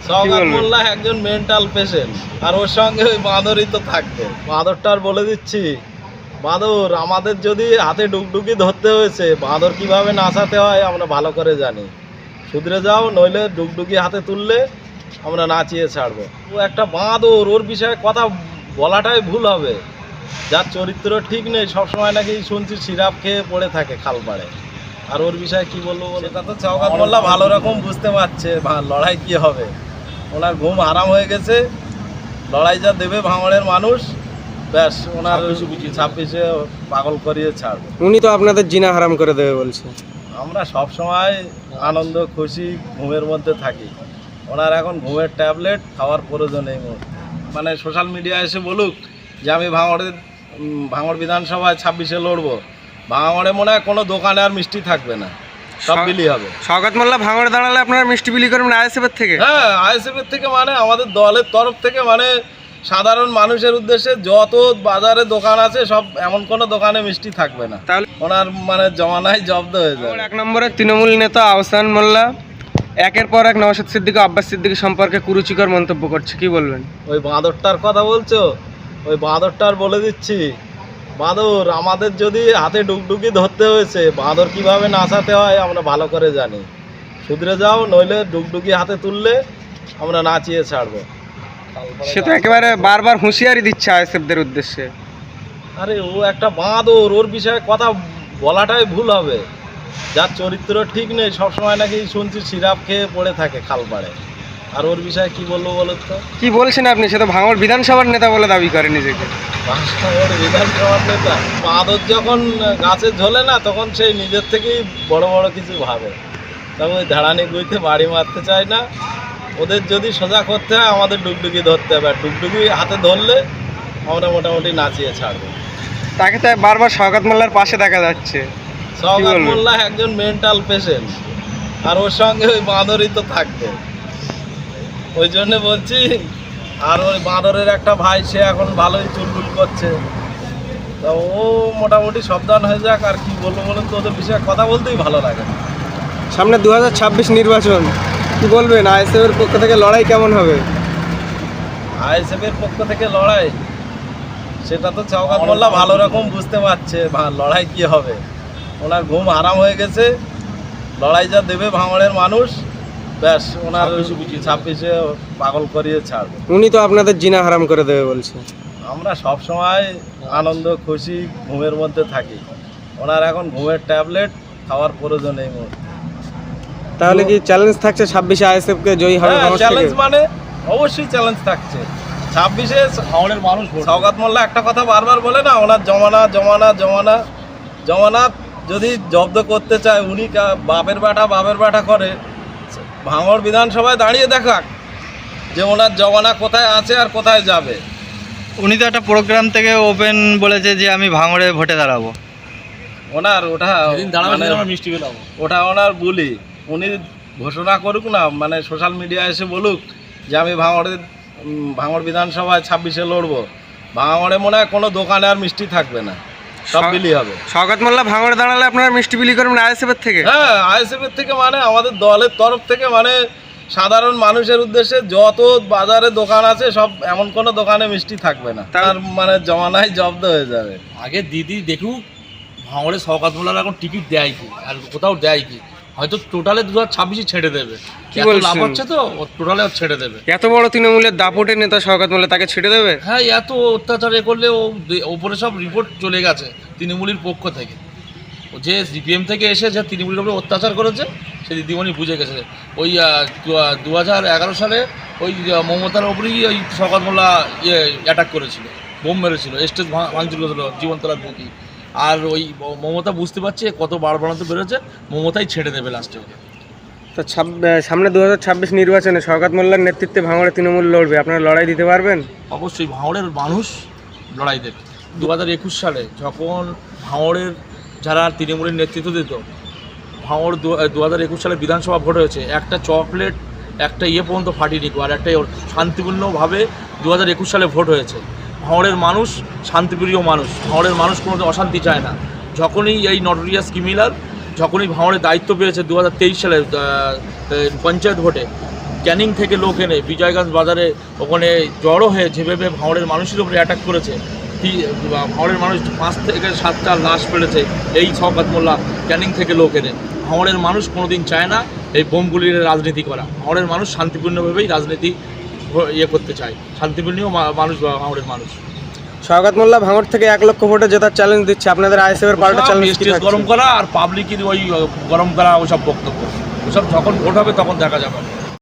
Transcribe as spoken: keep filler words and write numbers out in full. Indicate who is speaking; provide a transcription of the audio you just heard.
Speaker 1: সওগাত মোল্লা একজন mental patient, আর ওর সঙ্গে ওই বাঁদরই তো থাকবে। বাঁদরটার বলে দিচ্ছি, বাঁদর আমাদের যদি হাতে ডুকডুকি ধরতে হয়েছে, বাঁদর কিভাবে নাচাতে হয় আমরা ভালো করে জানি। শুধরে যাও, নইলে ডুকডুকি হাতে তুললে আমরা নাচিয়ে ছাড়বো। ও একটা বাঁদর, ওর বিষয়ে কথা বলাটাই ভুল হবে। যার চরিত্র ঠিক নেই, সবসময় নাকি শুনছি সিরাপ খেয়ে পড়ে থাকে খাল পাড়ে। আর ওর বিষয়ে কি বলবো, সেটা তো সওগাত মোল্লা ভালো রকম বুঝতে পারছে লড়াই কি হবে। ওনার ঘুম হারাম হয়ে গেছে, লড়াই যা দেবে ভাঙড়ের মানুষ, ব্যাস ওনার ছাব্বিশে পাগল করিয়ে ছাড়বে।
Speaker 2: উনি তো আপনাদের জিনা হারাম করে দেবে বলছে।
Speaker 1: আমরা সব সময় আনন্দ খুশি ঘুমের মধ্যে থাকি। ওনার এখন ঘুমের ট্যাবলেট খাওয়ার প্রয়োজন নেই। মানে সোশ্যাল মিডিয়া এসে বলুক যে আমি ভাঙড়ের ভাঙড় বিধানসভায় ছাব্বিশে লড়বো, ভাঙড়ে মনে হয় কোনো দোকানে আর মিষ্টি থাকবে না, সব বিলি হবে।
Speaker 2: সওগাত মোল্লা ভাঙড়ে দাঁড়ালে আপনারা মিষ্টি বিলি করবেন আইএসএফের থেকে?
Speaker 1: হ্যাঁ, আইএসএফের থেকে, মানে আমাদের দলের তরফ থেকে, মানে সাধারণ মানুষের উদ্দেশ্যে যত বাজারে দোকান আছে সব, এমন কোনো দোকানে মিষ্টি থাকবে না।
Speaker 2: তাহলে
Speaker 1: ওনার মানে জমানায় জব্দ হয়ে যাবে।
Speaker 2: এক নম্বরে তৃণমূল নেতা আহসান মোল্লা একের পর এক নওশাদ সিদ্দিকী আব্বাস সিদ্দিকী সম্পর্কে কুরুচিকর মন্তব্য করছে, কি বলবেন?
Speaker 1: ওই বাঁদরটার কথা বলছো, ওই বাঁদরটার বলে দিচ্ছি, বাঁদর আমাদের যদি হাতে ডুকডুকি ধরতে হয়েছে, বাঁদর কিভাবে নাচাতে হয় আমরা ভালো করে জানি। শুধরে যাও, নইলে ডুকডুকি হাতে তুললে আমরা নাচিয়ে ছাড়বো।
Speaker 2: সে তো একেবারে বারবার হুঁশিয়ারি দিচ্ছে আইএসএফদের উদ্দেশ্যে।
Speaker 1: আরে ও একটা বাঁদর, ওর বিষয়ে কথা বলাটাই ভুল হবে। যার চরিত্র ঠিক নেই, সবসময় নাকি শুনছি সিরাপ খেয়ে পড়ে থাকে খাল পাড়ে। আর ওর বিষয়ে কি বলবো বলুন তো?
Speaker 2: কি বলছেন আপনি? সে তো ভাঙড় বিধানসভার নেতা বলে দাবি করে নিজেকে।
Speaker 1: ভাঙড় বিধানসভার নেতা? বাঁদর যখন গাছে ঝোলে না, তখন সেই নিজের থেকেই বড় বড় কিছু ভাবে। তবে ওই ধাড়ানি গুইতে বাড়ি মারতে চায় না। ওদের যদি সোজা করতে হয়, আমাদের ডুগডুগি ধরতে হবে। আর ডুগডুগি হাতে ধরলে আমরা মোটামুটি নাচিয়ে ছাড়বো।
Speaker 2: তাকে তো বারবার সওগাত মোল্লার পাশে দেখা যাচ্ছে।
Speaker 1: সওগাত মোল্লা একজন মেন্টাল পেশেন্ট, আর ওর সঙ্গে ওই বাঁদরই তো থাকবে। ওই জন্য বলছি। আর ওই বাঁদরের একটা ভাই, সে এখন ভালোই চুলবুল করছে। তা ও মোটামুটি সাবধান হয়ে যাক। আর কি বলবো বলুন তো, ওদের বিষয়ে কথা বলতেই ভালো লাগে।
Speaker 2: সামনে দু হাজার ছাব্বিশ নির্বাচন, কি বলবেন? আইএসএফের পক্ষ থেকে লড়াই কেমন হবে?
Speaker 1: আইএসএফের পক্ষ থেকে লড়াই, সেটা তো সওগাত মোল্লা ভালো রকম বুঝতে পারছে লড়াই কি হবে। ওনার ঘুম হারাম হয়ে গেছে, লড়াই যা দেবে ভাঙড়ের মানুষ, ব্যাস ওনার ছাব্বিশে পাগল করিয়ে ছাড়বে।
Speaker 2: উনি তো আপনাদের জিনা হারাম করে দেবে বলছে।
Speaker 1: আমরা সব সময় আনন্দ খুশি ঘুমের মধ্যে থাকি। ওনার এখন ঘুমের ট্যাবলেট খাওয়ার প্রয়োজন নেই।
Speaker 2: তাহলে কি চ্যালেঞ্জ থাকছে ছাব্বিশে আইএসএফ কে জয়ী হবে?
Speaker 1: চ্যালেঞ্জ মানে অবশ্যই চ্যালেঞ্জ থাকছে। ছাব্বিশে ভাঙড়ের মানুষ, সওগাত মোল্লা একটা কথা বারবার বলে না, ওনার জমানা জমানা জমানা জমানা যদি জব্দ করতে চায়, উনি বাপের বাটা বাপের বাটা করে ভাঙড় বিধানসভায় দাঁড়িয়ে দেখাক যে ওনার জমানা কোথায় আছে আর কোথায় যাবে।
Speaker 3: উনি তো একটা প্রোগ্রাম থেকে ওপেন বলেছে যে আমি ভাঙড়ে ভোটে দাঁড়াবো।
Speaker 1: ওনার ওটা মিষ্টি পেলাম, ওটা ওনার বুলি। উনি ঘোষণা করুক না, মানে সোশ্যাল মিডিয়া এসে বলুক যে আমি ভাঙড়ের ভাঙড় বিধানসভায় ছাব্বিশে লড়বো, ভাঙড়ে মনে হয় কোনো দোকানে আর মিষ্টি থাকবে না, সব বিলি হবে।
Speaker 2: সওগাত মোল্লা ভাঙড়ে দাঁড়ালে আপনারা মিষ্টি বিলি করবেন আইএসএফের থেকে?
Speaker 1: হ্যাঁ, আইএসএফের থেকে, মানে আমাদের দলের তরফ থেকে, মানে সাধারণ মানুষের উদ্দেশ্যে যত বাজারে দোকান আছে সব, এমন কোনো দোকানে মিষ্টি থাকবে না। তার মানে জমানায় জব্দ হয়ে যাবে।
Speaker 4: আগে দিদি দেখুক ভাঙড়ে সওগাত মোল্লার এখন টিকিট দেয় কি, আর কোথাও দেয় কি। হয়তো টোটালে দু হাজার ছাব্বিশে ছেড়ে দেবে, লাভ হচ্ছে তো টোটালে ছেড়ে দেবে।
Speaker 2: এত বড় তৃণমূলের দাপটের নেতা সওগাত মোল্লা, তাকে ছেড়ে দেবে?
Speaker 4: হ্যাঁ, এত অত্যাচার এ করলে ও ওপরে সব রিপোর্ট চলে গেছে তৃণমূলের পক্ষ থেকে। যে সিপিএম থেকে এসে যে তৃণমূলের উপরে অত্যাচার করেছে, সে দিদিমণি বুঝে গেছে। ওই দু হাজার এগারো সালে ওই মমতার ওপরেই ওই সওগাত মোল্লা ইয়ে অ্যাটাক করেছিল, বোম মেরেছিল, স্টেজ ভাঙচুর করেছিল জীবনতলার বুকি। আর ওই মমতা বুঝতে পারছে কত বার বাড়াতে বেরোচ্ছে, মমতাই ছেড়ে দেবে লাস্টে।
Speaker 2: তো সামনে দু হাজার ছাব্বিশ নির্বাচনে সওগাত মোল্লার নেতৃত্বে ভাঙড়ে তৃণমূল লড়বে, আপনারা লড়াই দিতে পারবেন?
Speaker 4: অবশ্যই ভাঙড়ের মানুষ লড়াই দেবে। দু হাজার একুশ সালে যখন ভাঙড়ের যারা তৃণমূলের নেতৃত্ব দিত, ভাঙড় দু হাজার একুশ সালে বিধানসভা ভোট হয়েছে, একটা চকলেট একটা ইয়ে পর্যন্ত ফাটিয়ে আর একটা শান্তিপূর্ণভাবে দু হাজার একুশ সালে ভোট হয়েছে। ভাঙড়ের মানুষ শান্তিপ্রিয় মানুষ, ভাঙড়ের মানুষ কোনো অশান্তি চায় না। যখনই এই নটোরিয়াস ক্রিমিনাল যখনই ভাঙড়ের দায়িত্ব পেয়েছে দু হাজার তেইশ সালে পঞ্চায়েত ভোটে, ক্যানিং থেকে লোক এনে বিজয়গঞ্জ বাজারে ওখানে জড়ো হয়ে যেভাবে ভাঙড়ের মানুষের উপরে অ্যাটাক করেছে, তি- ভাঙড়ের মানুষ পাঁচ থেকে সাতটা লাশ পেলেছে এই শওকত মোল্লা ক্যানিং থেকে লোক এনে। ভাঙড়ের মানুষ কোনোদিন চায় না এই বোমগুলির রাজনীতি করা। ভাঙড়ের মানুষ শান্তিপূর্ণভাবেই রাজনীতি ভ- ইয়ে করতে চায়, শান্তিপূর্ণ মা- মানুষ ভাঙড়ের মানুষ।
Speaker 2: শওকত মোল্লা ভাঙড় থেকে এক লক্ষ ভোটে জেতার চ্যালেঞ্জ দিচ্ছে, আপনাদের আইএসএফ এর পাল্টা চ্যালেঞ্জ কি
Speaker 4: স্টেজ
Speaker 2: থাকছে?
Speaker 4: গরম করা আর পাবলিকের ওই গরম করা ওসব বক্তব্য, ওসব যখন ভোট হবে তখন দেখা যাবে।